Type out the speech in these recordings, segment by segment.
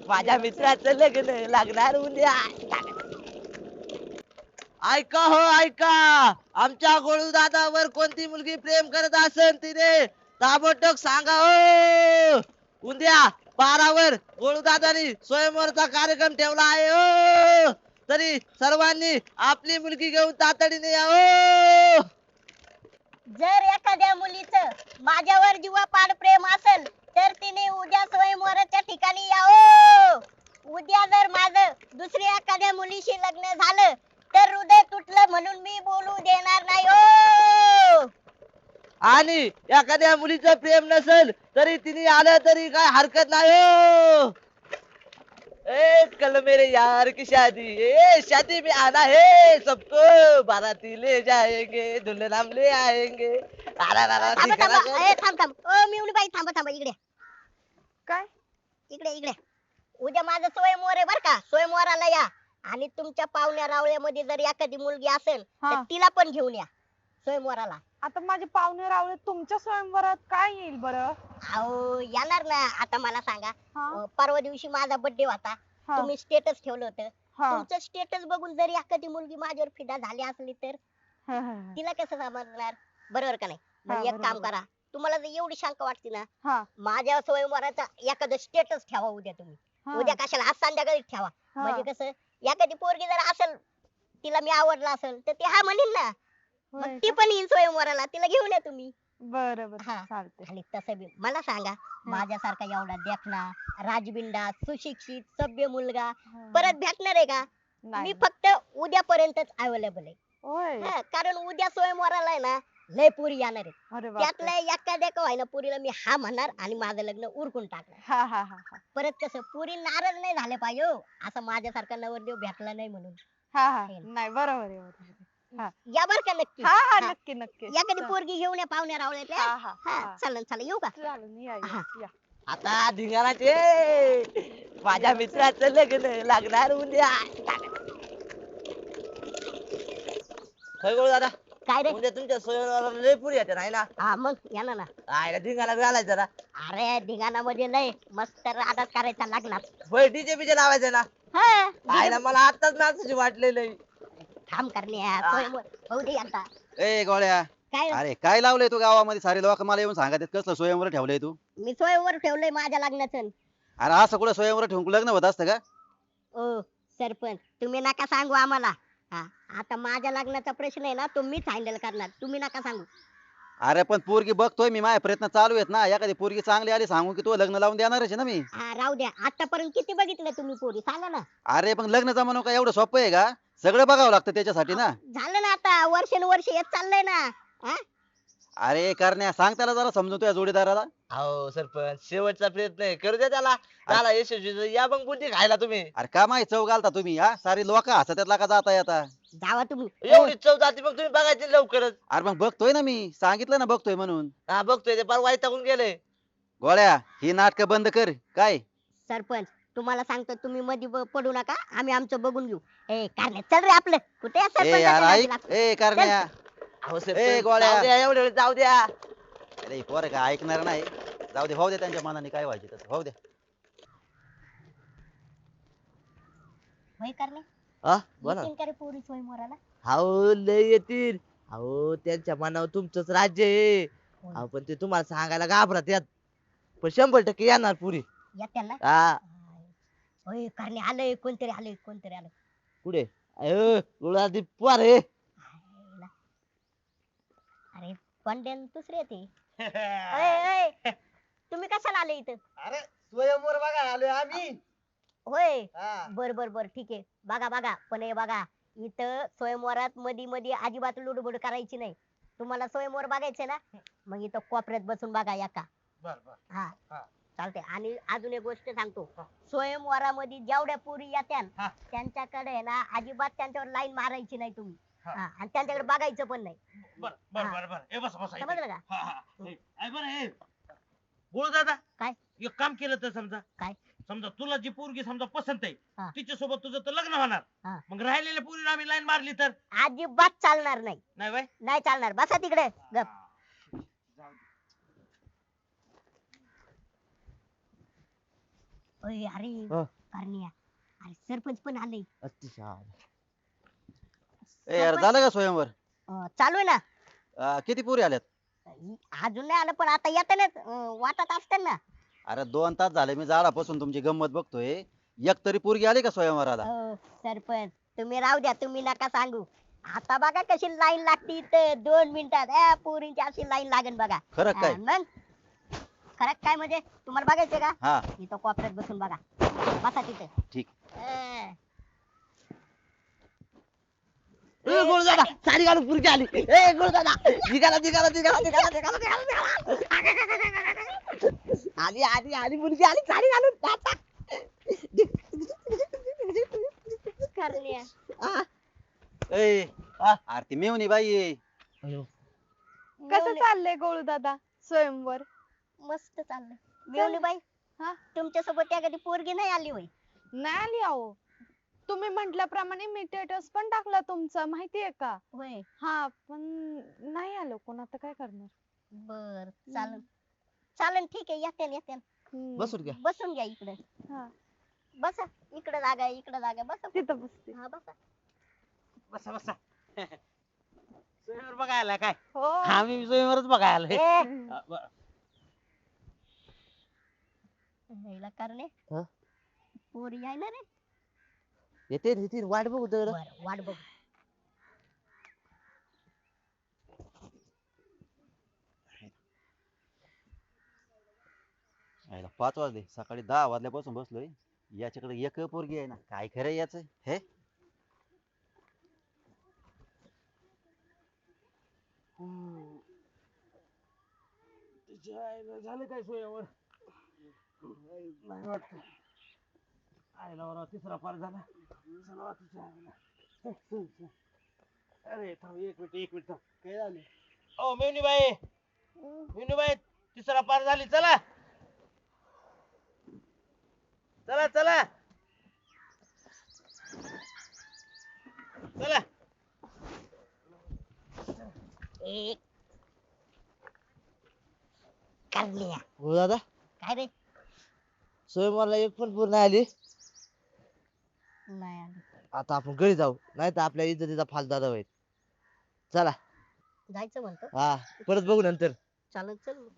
माझ्या मित्राचं लग्न लागणार उद्या. ऐका हो ऐका, आमच्या गोळू दादावर कोणती मुलगी प्रेम करत असेल तिने ताबडतोब सांगा हो. उद्या 12 वर गोळू दादानी स्वयंवरचा कार्यक्रम ठेवला आहे हो. तरी सर्वांनी आपली मुलगी घेऊन तातडीने या हो. जर एखाद्या मुलीचं माझ्यावर जीवापाड प्रेम असेल तर तिने उद्या स्वयंवराच्या ठिकाणी यावं. उद्या जर माझं दुसऱ्या एखाद्या मुलीशी लग्न झालं तर हृदय तुटलं म्हणून मी बोलू देणार नाही हो. आणि एखाद्या मुलीचं प्रेम नसेल तरी तिने आलं तरी काय हरकत नाही हो. ए कल मेरे यार की शादी, ए शादी में आना है सबको, बाराती ले जाएंगे दुल्हन हम ले आएंगे. थांबा थांबा, ए थांब थांब, ओ मिवणी बाई थांबा थांबा, इकडे काय इकडे इकडे. उद्या माझं स्वयंवर आहे बर का, स्वयंवराला या. आणि तुमच्या पाहुण्या रावळ्यामध्ये जर एखादी मुलगी असेल तर हा. तिला पण घेऊन या स्वयंवराला. आता माझे पाहुणे रावळे तुमच्या स्वयंवरात काय येईल बरं? अहो येणार ना. आता मला सांगा, हा परवा दिवशी माझा बर्थडे होता, हा तुम्ही स्टेटस ठेवलं होतं. हा तुमचं स्टेटस बघून जर एखादी मुलगी माझ्यावर फिदा झाली असली तर हा, हा, तिला कसं समजणार? बरोबर का नाही? हा, मग एक काम बरोबर. करा, तुम्हाला जर एवढी शंका वाटते ना, हा, माझ्या स्वयंवराचा एखादं स्टेटस ठेवा उद्या तुम्ही. हा, उद्या कशाला, आज संध्याकाळी ठेवा. हा. म्हणजे कसं, एखादी पोरगी जर असेल, तिला मी आवडला असेल तर ती हा म्हणीन ना, मग होय ती का? पण येईन स्वयंवराला, तिला घेऊन या तुम्ही. बरं बरं हा. चालते. आणि तसं बी मला सांगा, माझ्यासारखा एवढा देखना, राजबिंडा, सुशिक्षित, सभ्य मुलगा परत भेटणार आहे का? नाही मी फक्त उद्यापर्यंतच अवेलेबल आहे. होय. हा, कारण उद्या स्वयंवराला आहे ना लय पुरी येणार आहे. अरे बापरे. त्यातल्या एखाद्या का व्हायना पुरीला मी हा म्हणणार आणि माझं लग्न उरकून टाकणार. हा हा हा हा परत कसं पुरी नाराज नाही झाले पाहिजे हो, असं माझ्यासारखा नवरदेव भेटला नाही म्हणून. हा हा है ना. नाही बरोबर आहे बरोबर आहे. हा या बर का नक्की. हा हा हा. नक्की नक्की. एखादी पोरगी घेऊन या पाहुण्या रावळ्यातल्या. हा हा हा हा. चालेल चालेल, येऊ का? चालेल या हा. या. आता धिंगाणाचे, माझ्या मित्राचं लग्न लागणार उद्या. होय गोळू दादा, काय रे? उद्या तुमच्या स्वयंवराला लय पुरी येते नाही ना? हा मग या ना. काय धिंगाणा घालायचं जरा. अरे धिंगाणामध्ये लय मस्त राडाच करायचा लागणार. होय डीजे बीजे लावायचं ना. हा काय ना मला आताच नाचायची वाटलेलं. काम करण्या स्वयंवर होऊ दे आता. ए गोळ्या, काय रे? अरे काय लावलंय तू गावामध्ये? सारे लोक मला येऊन सांगत आहेत कसलं स्वयंवर ठेवलंय तू? मी स्वयंवर ठेवलंय माझ्या लग्नाचं. अरे असं कुठं स्वयंवर ठेवून लग्न होत असतं का? ओ सरपंच, तुम्ही नका सांगू आम्हाला. हा, आता माझ्या लग्नाचा प्रश्न आहे ना, तो मीच हँडल करणार, तुम्ही नका सांगू. अरे पण पोरगी बघतोय मी, माझे प्रयत्न चालू आहेत ना. एखादी पोरगी चांगली आली सांगू की तू लग्न लावून देणारच आहे ना मी. हा राहू द्या, आतापर्यंत किती बघितलं तुम्ही पोरी, सांगा ना. अरे पण लग्न जमानो काय एवढं सोपं आहे का? सगळं बघावं लागतं त्याच्यासाठी ना. झालं ना आता, वर्षानुवर्ष येत चाललंय ना. हा? अरे करण्या, सांग त्याला जरा समजून तुझ्या जोडीदाराला. अहो सरपंच, शेवटचा प्रयत्न आहे, करू द्या त्याला. त्याला यशस्वी या मग बुद्धी खायला तुम्ही. अरे का माहिती चव घालता तुम्ही हा? सारी लोक हसतात का जाता येता. जावा तुम्ही. एवढी चव जाती मग तुम्ही बघायची लवकरच. अरे मग बघतोय ना मी, सांगितलं ना बघतोय म्हणून. हा बघतोय ते, परवा वैतागून गेले. गोळ्या, ही नाटकं बंद कर. काय सरपंच, तुम्हाला सांगतो, तुम्ही मध्ये पडू नका, आम्ही आमचं बघून घेऊ. ए कारणे चल रे आपलं, कुठे आहे ए सरपंचाच्या यार नादी ऐक, लागतो? ए करण्या. अहो ए, सरपंच, गोळ्या. जाऊ द्या एवढ्या वेळ जाऊ द्या. अरे पोर काय ऐकणार नाही. जाऊ दे, भाऊ दे त्यांच्या मनाने काय व्हायचे तसं भाऊ दे. होय कारणे, हा बोला. येतील का रे पोरी स्वयंवराला? अहो लय येतील. अहो त्यांच्या मनावर तुमचंच राज्य आहे. अहो पण ते तुम्हाला सांगायला घाबरत यात, पण 100% येणार पुरी. या त्याला. हा होय कारणे, आलंय कोणतरी, आलंय कोणतरी आलं. कुठे? अयो गुळादी पोर आहे. आयला. अरे पंड्यान दुसरे येते. ओय, ओय, तुम्ही कशाला आले इथं? अरे स्वयंवर बघा आलोय आम्ही. होय, हा. बर बर बर, ठीक आहे. बघा बघा, पण हे बघा, इथं स्वयंवरात मध्ये मध्ये अजिबात लुडबुड करायची नाही. तुम्हाला स्वयंवर बघायचंय ना, मग इथं कोपऱ्यात बसून बघा एका. बर बर. हा हा. चालते. आणि अजून एक गोष्ट सांगतो, स्वयंवरामध्ये जेवढ्या पुरी येत्यान हा. त्यांच्याकडे आहे ना अजिबात त्यांच्यावर लाईन मारायची नाही तुम्ही. हा. हा, आणि त्यांच्याकडे बघायचं पण नाही. बर बर हा. बर बर. ए बस बस. समजलं का? हा हा. ए बरं हे बोल दादा. काय? एक काम केलं तर समजा. काय? समजा तुला जी पोरगी समजा पसंत आहे, हा. तिच्या सोबत तुझं तर लग्न होणार. हा. मग राहिलेल्या पोरीला आम्ही लाईन मारली तर अजिबात चालणार नाही. नाही बाय. नाही चालणार, बसा तिकडे गप. जाऊ दे. ओय अरे हा. करण्या अरे सरपंच पण आले अतिशय. ए यार झालं का स्वयंवर? चालू आहे ना. किती पुरी आल्यात? अजून नाही आलं पण आता येतानाच वाटत असतं ना. अरे 2 तास झाले मी झाडापासून तुमची गंमत बघतोय. एक तरी पोरगी आली का स्वयंवराला? सरपंच तुम्ही राहू द्या तुम्ही नका सांगू. आता बघा कशी लाईन लागती इथं 2 मिनिटात पोरींची अशी लाईन लागेल बघा. खरं काय? मग खरं काय म्हणजे तुम्हाला बघायचंय का हा इथं कोपऱ्यात बसून बघा बसा तिथं. ठीक. ए गुरुदादा साडी घालून पुरकी आली. ए गुरुदादा निघाला निघाला निघाला निघाला निघाला निघाला आली आली आली मुलगी आली साडी घालून टाटा. करण्या आ, ए आ. अरे ती मेवणी बाई आहे. अयो, कसं चाललंय गोळू दादा स्वयंवर? मस्त चाललंय. मेवणी बाई हा? तुमच्या सोबत त्या कधी पोरगी नाही आली होय? नाही आली अहो. तुम्ही म्हटल्याप्रमाणे मी स्टेटस पण टाकला तुमचा माहितीये का? होय हा पण नाही आलो कोण, आता काय करणार? बर चालन चालन ठीक आहे येते येते हम्म. बसून घ्या. बसून घ्या इकडे. हा, बसा इकडे जागा आहे इकडे जागा आहे. बसा तिथं बसते. हा बसा. बसा बसा स्वयंवर बघायला काय हो. आम्ही स्वयंवरच बघायला आलोय. हिला करणे हा? पोरी आहे ना रे. येते येते वाट बघू तर. बर वाट बघ. आईला 5 वाजले, सकाळी 10 वाजल्यापासून बसलोय. याच्याकडे एक पोरगी आहे ना, काय खरं याच हे? तिच्या आईला झालं काय स्वयंवर नाही वाटत. आईला बरोबर तिसरा पार झाला. चला तिच्या आईला. अरे थांब एक मिनिट थांब. काय झालं? ओ मेवणीबाई तिसरा पार झाली. चला चला चला चला. एक करण्या गुरुदादा काय रे स्वयंवरला एक पण पूर्ण आली. नाही आली. आता आपण घरी जाऊ नाही तर आपल्या इज्जतीचा फालदादा होईल. चला जायचं म्हणतो हा परत बघू नंतर. चालन चल मग.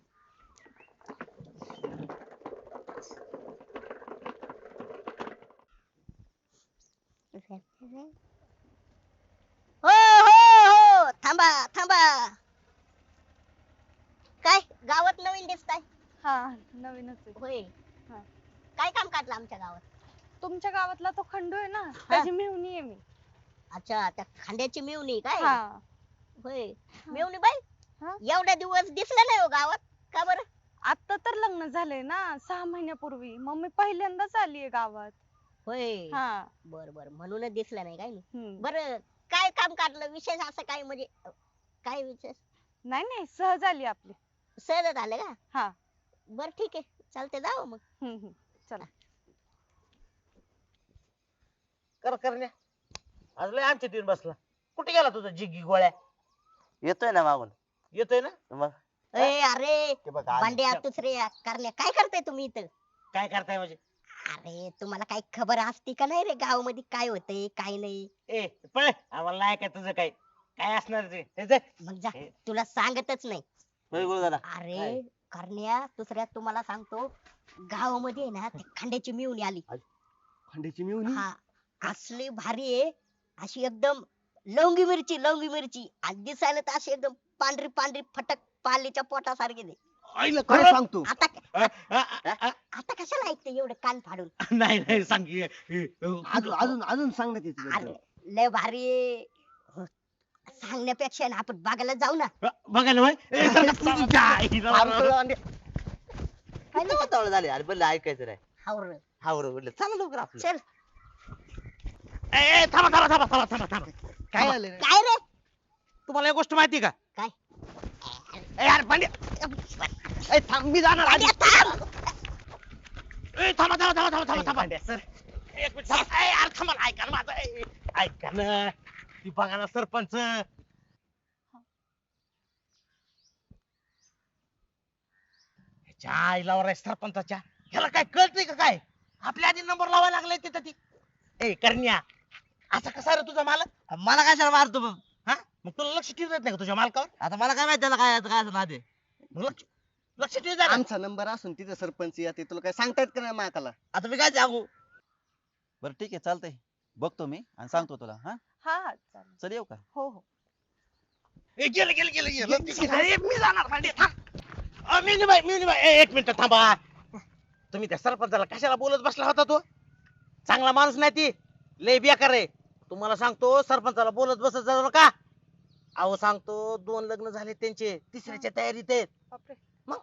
हो हो हो थांबा थांबा. काय गावात नवीन दिसताय? हा नवीनच आहे. होय हा. काय काम काढलं आमच्या गावात? तुमच्या गावातला तो खंडू आहे ना, त्याची मेहुणी आहे मी. अच्छा त्या खांद्याची मेवणी काय? हा. होय मेवणी बाई हा? एवढ्या दिवस दिसलं नाही हो गावात का बरं? आता तर लग्न झालंय ना 6 महिन्यापूर्वी, मग मी पहिल्यांदाच आलीये गावात. होय हा. बर बर म्हणूनच दिसलं नाही काय नाही. हम्म. बर काय काम काढलं विशेष असं काय म्हणजे काय विशेष? नाही नाही सहज आली आपली. सहज आलं का? हा. बर ठीक आहे चालते जाऊ मग. चला. करण्या आज लय आमच्या तीन बसला. कुठे गेला तुझा जिग्गी गोळ्या? येतोय ना मागून येतोय ना? मग ए अरे ते बघ आली. भांड्या दुसरे करण्या काय करताय तुम्ही इथं? काय करताय म्हणजे? अरे तुम्हाला काही खबर असते का नाही रे गाव मध्ये काय होतंय काय नाही? ए पळ आम्हाला नाही काय तुझं काय काय असणार ते हे जे. मग जा तुला सांगतच नाही. होय गुरुदादा. अरे करण्या दुसऱ्या तुम्हाला सांगतो गावामध्ये आहे ना ते खंड्याची मिळून आली. खंडीची मिळून हा असली भारी आहे अशी एकदम लवंगी मिरची आणि दिसायला तर अशी एकदम पांढरी पांढरी फटक पालीच्या पोटासारखी आहे. आईला काय सांगतो. आता अ, अ, अ, अ, आता कशाला ऐकते एवढं कान फाडून? नाही नाही सांग की. अजून अजून अजून सांगण्यात येते अरे लय भारी आहे. सांगण्यापेक्षा ना आपण बघायला जाऊ ना. बघा ना होय. ए, चल, चल, तुझ्या आईला. झाले अरे बरं ऐकायचं नाही. हावर हा बरोबर म्हटलं चला लवकर आपलं. चल. ए, ए, थांबा. काय झालं रे? काय रे? तुम्हाला एक गोष्ट माहिती का? काय? ए, यार पांड्या. ए, थांब मी जाणार आधी. अरे थांब. ए, थांबा. सर एक मिनिट थांबा. ए, यार थांबा ना, ऐका ना माझं. ए, ऐका ना ती बघा ना सरपंच. ह्याच्या आईला वर आहे सरपंचाच्या. ह्याला काय कळतंय का काय? आपल्या आधी नंबर लावायला लागलाय तिथं ती. ए करण्या, असा कसा रे तुझा मालक? मला कशाला मारतो मग? हा मग तुला लक्ष ठेवत नाही का तुझ्या मालकावर? आता मला काय माहिती त्याला काय काय असं नाद आहे. मग लक्ष ठेवत जा ना. आमचा नंबर असून तिथे सरपंच येते तुला काय सांगता येत का नाही माकाला? आता मी काय सांगू? बरं ठीक आहे चालतंय, बघतो मी आणि सांगतो तुला. हा हा हा चालेल. चल येऊ का? हो हो. ए, गेलं गेलं गेलं गेलं. ए, मी जाणार भांडे थांब. मिनीबाई एक मिनिट थांबा. तुम्ही त्या सरपंचाला कशाला बोलत बसला होता तो? चांगला माणूस नाही ती, लय बेकार आहे. तुम्हाला सांगतो सरपंचाला बोलत बसत जाऊ नका. अहो सांगतो 2 लग्न झाले त्यांचे, तिसऱ्याच्या तयारीत आहेत. बापरे.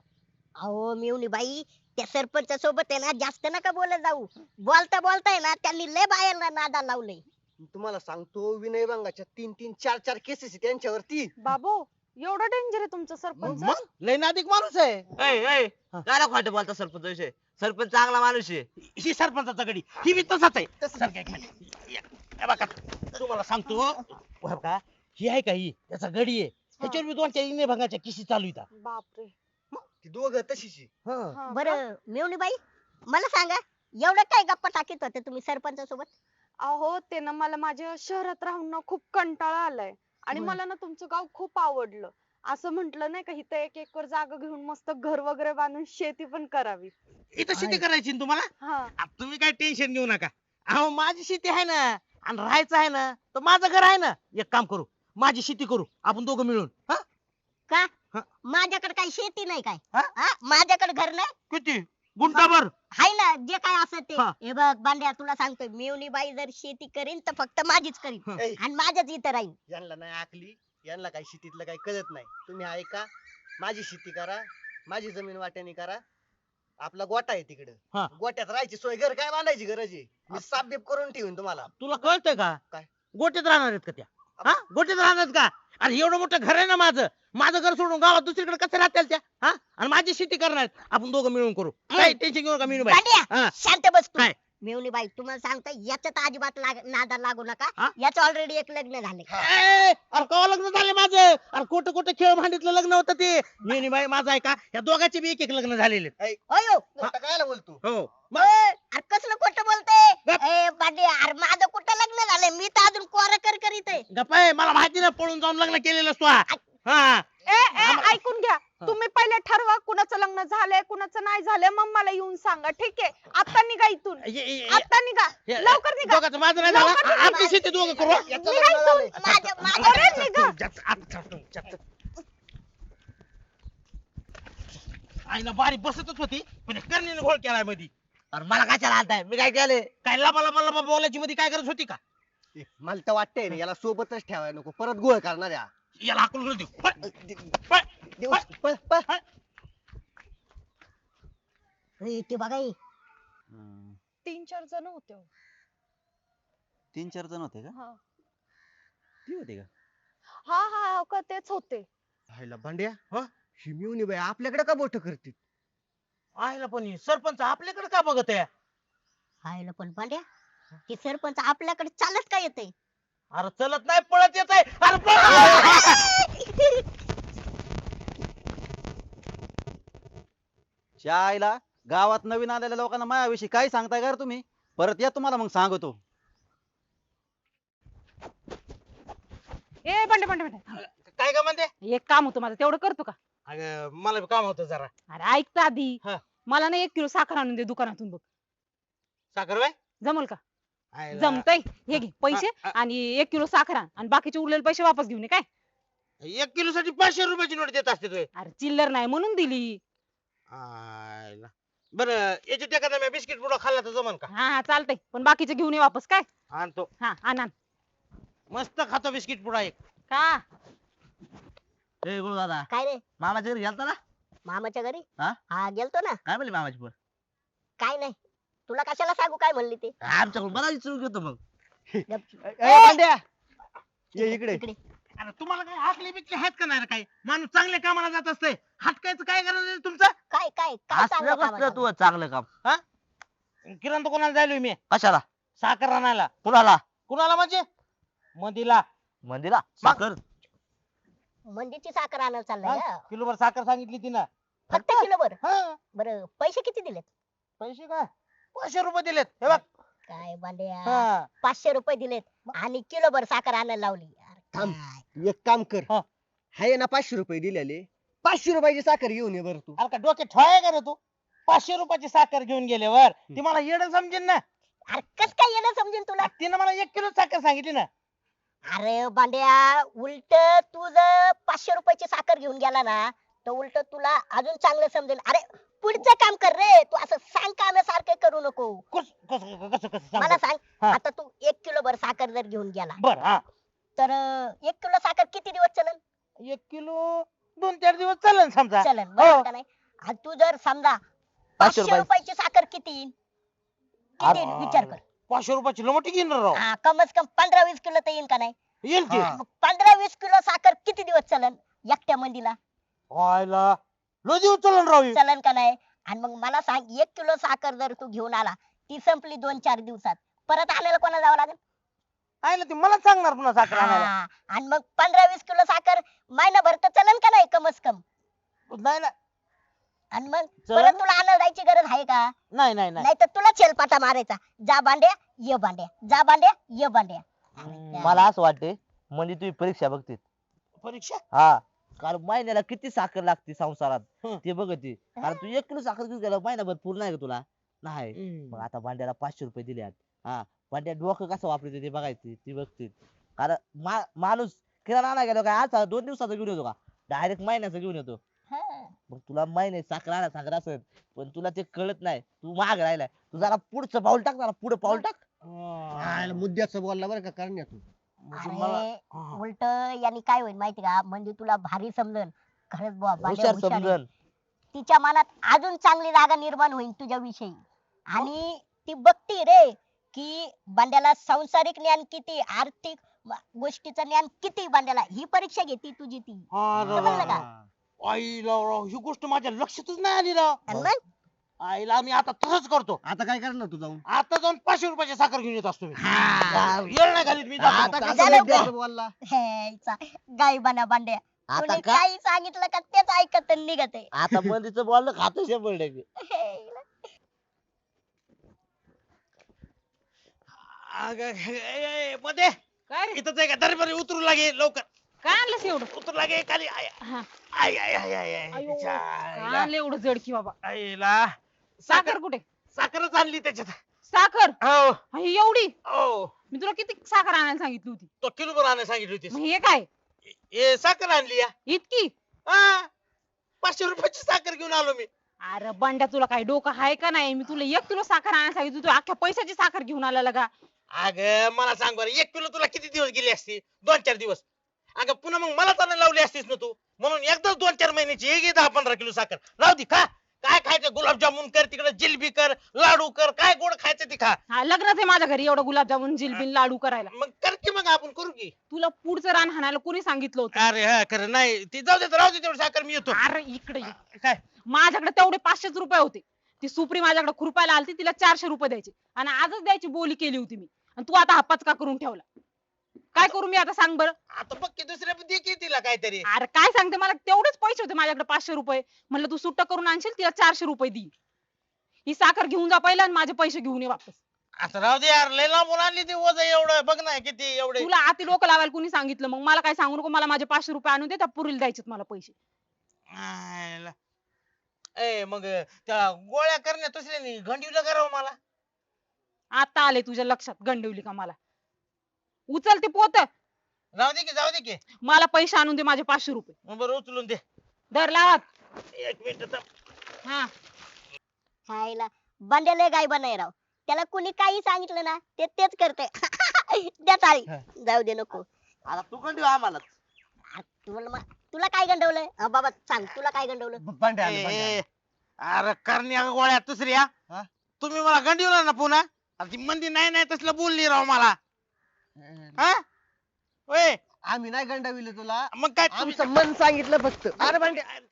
अहो मिवणी बाई, त्या सरपंच सोबत आहे ना जास्त नका बोलत जाऊ. बोलता बोलताय ना त्यांनी लय बायांना नादा लावलंय. तुम्हाला सांगतो विनय भंगाच्या 3-3, 4-4 केसेस त्यांच्यावरती. बाबू एवढं डेंजर आहे तुमचं सरपंच? मग लय नादिक माणूस आहे. काय खोटं बोलता सरपंच विषय? सरपंच चांगला माणूस आहे. ही सरपंचाचा गडी, ही बी तसाच आहे. सारखं एक मिनिट. हे बघा तुम्हाला सांगतो बरं का, ही आहे का ही त्याचा गडी आहे. ह्याच्यावर मी 2-4 इने भंगाच्या किशी चालू येतात. बापरे. ती दोघं तशीच आहे. हं. हा का? बरं मिवणी बाई, मला सांगा एवढं काय गप्पा टाकीत होते तुम्ही सरपंच सोबत? अहो ते ना मला माझ्या शहरात राहून ना खूप कंटाळा आलाय आणि होय. मला ना तुमचं गाव खूप आवडलं. असं म्हंटल नाही का इथं 1 एकर जागा घेऊन मस्त घर वगैरे बांधून शेती पण करावी. इथं शेती करायची ना तुम्हाला? हा आ, तुम्ही काय टेन्शन घेऊ नका. अहो माझी शेती आहे ना आणि राहायचं आहे ना तर माझं घर आहे ना. एक काम करू, माझी शेती करू आपण दोघं मिळून. हा का? हा. माझ्याकडे काही शेती नाही काय? हा? हा? माझ्याकडे घर नाही किती गुंठाभर? हाय ना, जे काय असं ते. हा. हे बघ बांड्या, तुला सांगतोय मिवणी बाई जर शेती करीन तर फक्त माझीच करीन हं. ए, आणि माझ्याच इथं राहीन. यांना नाही आकली, यांना काही शेतीतलं काही कळत नाही. तुम्ही ऐका, माझी शेती करा, माझी जमीन वाट्याने करा. आपला गोटा आहे तिकडे, हा. गोट्यात राहायची सोय, घर काय बांधायची गरज आहे? मी साप बीप करून ठेवीन तुम्हाला. तुला कळतंय का? काय? गोट्यात राहणार आहेत का त्या? हा गोट्यात राहणार आहेत का? अरे एवढं मोठं घर आहे ना माझं. माझं घर सोडून गावात दुसरीकडे कसं राहतील त्या? हा आणि माझी शेती करणार आहेत. आपण दोघं मिळून करू. काही टेन्शन घेऊ नका मिळून बांड्या, हा. शांत बस तू. काय? मिवणी बाई, तुम्हाला सांगतोय याच्यात अजिबात नादा लागू नका. हा? याचं ऑलरेडी एक लग्न झाले. अरे कवा लग्न झाले माझं? अरे खोटं खोटं खेळ भांडीतलं लग्न होतं ते. मी बाई माझं आहे का? या दोघांचे बी एक लग्न झालेले आहेत. अयो आता कायला बोलतो? हो मग अरे कसलं खोटं बोलते? गप. ए बांड्या, अरे माझं कुठं लग्न झालंय? मी तर अजून कोरा कर करीत आहे. गप्पा आहे, मला माहिती ना पळून जाऊन लग्न केलेलं असतो. हा ए ऐकून घ्या. तुम्ही पहिले ठरवा कुणाचं लग्न झालंय कुणाचं नाही झालंय, मग मला येऊन सांगा. ठीक आहे, आता निघा इथून. आता निघा, लवकर निघा. दोघांचं माझं नाही झालं. लवकर निघा. आमची शेती दोघं करू. याचं निघा लग्न इथून. झालंय. अरे निघा. आईला बारी बसतच होती पण कर्णीने घोळ केलाय मध्ये. अरे मला कशाला आणताय? मी काय केले? काय लबा लबा लबा बोलायची मध्ये काय गरज होती का? ए, मला तर वाटतंय ना याला सोबतच ठेवायला नको, परत गोळ करणार या. याला हाकलून देऊ. पळ, देऊ, पळ, पळ. ए, ते बघा हे. 3-4 जण होते हो. 3-4 जण होते का? हा ती होते का? हा हो का, तेच होते. हायला भांड्या, हं? ही मिवणी बाई आपल्याकडे का बोट करते? आईला पण ही सरपंच आपल्याकडे का बघत आहे? हायला पण बांड्या, ते सरपंच आपल्याकडे चालत का येते? अरे चलत नाही पळत येत आहे. अरे पळ. शाळेला गावात नवीन आलेल्या लोकांना माझ्याविषयी काय सांगताय का रे तुम्ही? परत या तुम्हाला मग सांगतो. ए बंडे बंडे बंडे, काय का म्हणते? एक काम होतं माझं, तेवढं करतो का? अगं मला बी काम होतं जरा. अरे ऐक तर आधी. हा. मला ना 1 किलो साखर आणून दे दुकानातून बघ. साखर बाय जमल का? जमतय. हे घे पैसे आणि 1 किलो साखर आण आणि बाकीचे उरलेले पैसे वापस घेऊन ये काय. 1 किलो साठी 500 रुपयाची नोट देत असते तुम्ही. अरे चिल्लर नाही म्हणून दिली. बरं याची एखादा मी बिस्किट पुडा खाल्ला तर जमन का? हा चालतंय, पण बाकीचे घेऊन ये वापस काय. आणतो. हा आण. मस्त खातो बिस्किट पुडा एक. का? ए गुरु दादा, काय रे, मामाच्या घरी गेलता ना? मामाच्या घरी? हा? हा गेलतो ना. काय म्हणली मामाची पोर? काय नाही, तुला कशाला सांगू काय म्हणली ते. आमच्याकडून बराच चूक घेतो मग. ए भांड्या, ये इकडे. इकडे अरे तुम्हाला काय हाकली बिकली आहेत का नाही रे? काय माणूस चांगल्या कामाला जात असते, हटकायचं काय गरज आहे तुमचं? काय काय काय असलं चांगलं काम कसलं आहे? तू चांगलं काम? किराणा दुकानाला जायलोय मी कशाला? साखर आणायला. कुणाला? कुणाला म्हणजे? मधीला. मंदिरा साखर? मंदीची साखर आणायला चाललाय का? किलोभर साखर सांगितली तिनं. फक्त किलोभर? हा बरं पैसे किती दिलेत? पैसे काय 500 रुपये दिलेत हे बघ. काय बांड्या हा 500 रुपये दिलेत आणि किलोभर साखर आणायला लावली यार, थांब. काय? एक काम कर हा. हाय ना 500 रुपये दिलेले 500 रुपयाची साखर घेऊन ये बरं तू. अरे का डोक्यात ठोया का रे तू 500 रुपयाची साखर घेऊन गेल्यावर ती मला येडं समजेन ना. अरे कस काय येणं समजेल तुला तिनं मला 1 किलो साखर सांगितली ना. अरे बांड्या उलट तू जर 500 रुपयाची साखर घेऊन गेला ना तर उलट तुला अजून चांगलं समजेल. अरे पुढचं काम कर रे, तू असं सांग कामासारखं करू नको. कसं कसं कसं मला सांग सांग हा. आता तू 1 किलोभर साखर जर घेऊन गेला बर. हा तर 1 किलो साखर किती दिवस चलन? 1 किलो 2-4 दिवस चालेल समजा. चलन हो. बरोबर का नाही? आणि तू जर समजा 500 रुपयाची साखर किती येईल? किती येईल? विचार कर. 500 रुपयाची मोठी घेणार राव. हा, कमस कम 15-20 किलो तर येईल का नाही? येईल की. मग 15-20 किलो साखर किती दिवस चलन एकट्या मंदीला? व्हायला लो दिवस चालेल राव हे. चलन का नाही? आणि मग मला सांग 1 किलो साखर जर तू घेऊन आला ती संपली 2-4 दिवसात परत आणायला कोणा जावं लागेल? आहे ना ती मला सांगणार पुन्हा साखर आणायला. हा, आणि मग 15-20 किलो साखर महिनाभर तर चलन का नाही कमस कम? नाही ना. आणि मग चलन परत ना. तुला आणायला जायची गरज आहे का? नाही नाही नाही. नाही तर तुला छेलपाटा मारायचा, जा बांड्या ये बांड्या, जा बांड्या ये बांड्या. मला असं वाटते म्हणजे तुम्ही परीक्षा बघते. परीक्षा हा, कारण महिन्याला किती साखर लागते संसारात हं. ते बघते. कारण तू 1 किलो साखर घेऊन गेला महिनाभर पूर्ण आहे का तुला? नाही. मग आता भांड्याला 500 रुपये दिले आहेत. हा, भांड्या डोकं कसं वापरते ते बघायचे, ती बघते. कारण माणूस किराणा आणायला गेलो काय आज 2 दिवसाचं घेऊन येतो का? डायरेक्ट महिन्याचं घेऊन येतो. हा. मग तुला महिने साखर आणा सांगत असेल पण तुला ते कळत नाही. तू माग राहिलाय. तू जरा पुढचं पाऊल टाक, जरा पुढे पाऊल टाक. हाय, मुद्द्याचं बोलला बरं का करण्या तू. म्हणजे मला अरे हा. उलट यांनी काय होईल माहिती का? म्हणजे तुला भारी समजन खरंच बुवा बांड्या हुशार हुशार आहे. समजन. तिच्या मनात अजून चांगली जागा निर्माण होईल तुझ्या विषयी. आणि ती बघती रे की बांड्याला सांसारिक ज्ञान किती, आर्थिक गोष्टीचं ज्ञान किती बांड्याला, ही परीक्षा घेती तुझी ती. अरे समजलं का? आईला राव ही गोष्ट माझ्या लक्षातच नाही आली राव. आणि मग आईला मी आता तसंच करतो. आता काय करणार तू जाऊन? आता जाऊन 500 रुपयाची साखर घेऊन येत असतो मी. येळ नाही घालीत मी जातो. आता झालं कसं का? मुद्द्याचं बोलला? हेचा गायबाना बांड्या, आता कोणी का काही सांगितलं का तेच ऐकत आणि निघत आहे. आता मंदीचं बोलणं खातं 100%. मध्ये काय रे इथंच आहे का दरबारी उतरू लागे लवकर. काय आणलंस एवढं? उतरू लागे खाली. आय हा. आय आय आय आय आय. अयो, तिच्या काय आईला. आणलं एवढं जड की बाबा? आईला साखर कुठे? साखरच आणली त्याच्यात. साखर हो ही एवढी? हो मी तुला किती साखर आणायला सांगितली होती? तो किलो भर आणायला सांगितली होतीस. मग हे काय ए साखर आणली या. इतकी? हा 500 रुपयाची साखर घेऊन आलो मी. अरे बंड्या तुला काय डोकं आहे का नाही? मी तुला 1 किलो साखर आणायला सांगितली होती, तू अख्ख्या पैशाची साखर घेऊन आला का? अग मला सांग बरं 1 किलो तुला किती दिवस गेली असती? 2-4 दिवस. अगं पुन्हा मग मला चालू लावली असतीस ना तू. म्हणून एकदाच 2-4 महिन्याची एक 10-15 किलो साखर राहू दे. खा काय खायचं गुलाबजामुन कर, तिकडे जिलबी कर, लाडू कर, काय गोड खायचं ते खा. हा, लग्नच आहे माझ्या घरी एवढं गुलाबजामुन जिलबिन लाडू करायला. मग कर की मग आपण करू की. तुला पुढचं रान हाणायला कोणी सांगितलं होतं? अरे हा खरं नाही ती जाऊ दे राहू दे तेवढी साखर मी येतो. अरे इकडे ये. काय माझ्याकडे तेवढे 500 रुपये होते. ती सुप्री माझ्याकडे खुरपायला आलती, तिला 400 रुपये द्यायचे आणि आजच द्यायची बोली केली होती मी. आणि तू आता हा पचका करून ठेवला. काय करू मी आता सांग बरं? आता बघ की दुसऱ्या पण दे की तिला काहीतरी. अरे काय सांगते, मला तेवढेच पैसे होते माझ्याकडे 500 रुपये. म्हणलं तू सुट्ट करून आणशील, तिला 400 रुपये दी. ही साखर घेऊन जा पहिला आणि माझे पैसे घेऊन ये वापस. आता राहू दे यार लय लांबून आणली ती वज एवढं बघ ना किती एवढे. तुला आती डोकं लावायला कोणी सांगितलं? मग मला काय सांगू नको, मला माझे 500 रुपये आणून दे, त्या पुरीला द्यायचेत मला पैसे. आयला. ए मग त्या गोळ्या करण्या दुसऱ्यानी घंटीवलं करावं मला. आता आले तुझ्या लक्षात गंडवली का मला? उचल ते पोत, जाऊ दे की जाऊ दे की. मला पैसे आणून दे माझे 500 रुपये. मग बरं उचलून दे. धर लावात. 1 मिनिट थांब. हा, खायला बांड्या लय गायबा नाही राव. त्याला कुणी काही सांगितलं ना ते तेच करते. द्या चाळी. जाऊ दे नको. आता तू कंटिन्यू आम्हाला. तुला काय गंडवलंय? बाबा सांग तुला काय गंडवलं? भांडे आले, भांडे आले. ए, अरे करण्या गोळ्या दुसऱ्या हा? तुम्ही मला गंडीवला ना पुन्हा. अरे ती मंदी नाही नाही तसलं बोलली राव मला. हा ओय आम्ही नाही गंडाविले तुला. मग काय तुम्ही- आमचं मन सांगितलं फक्त. अरे भांडे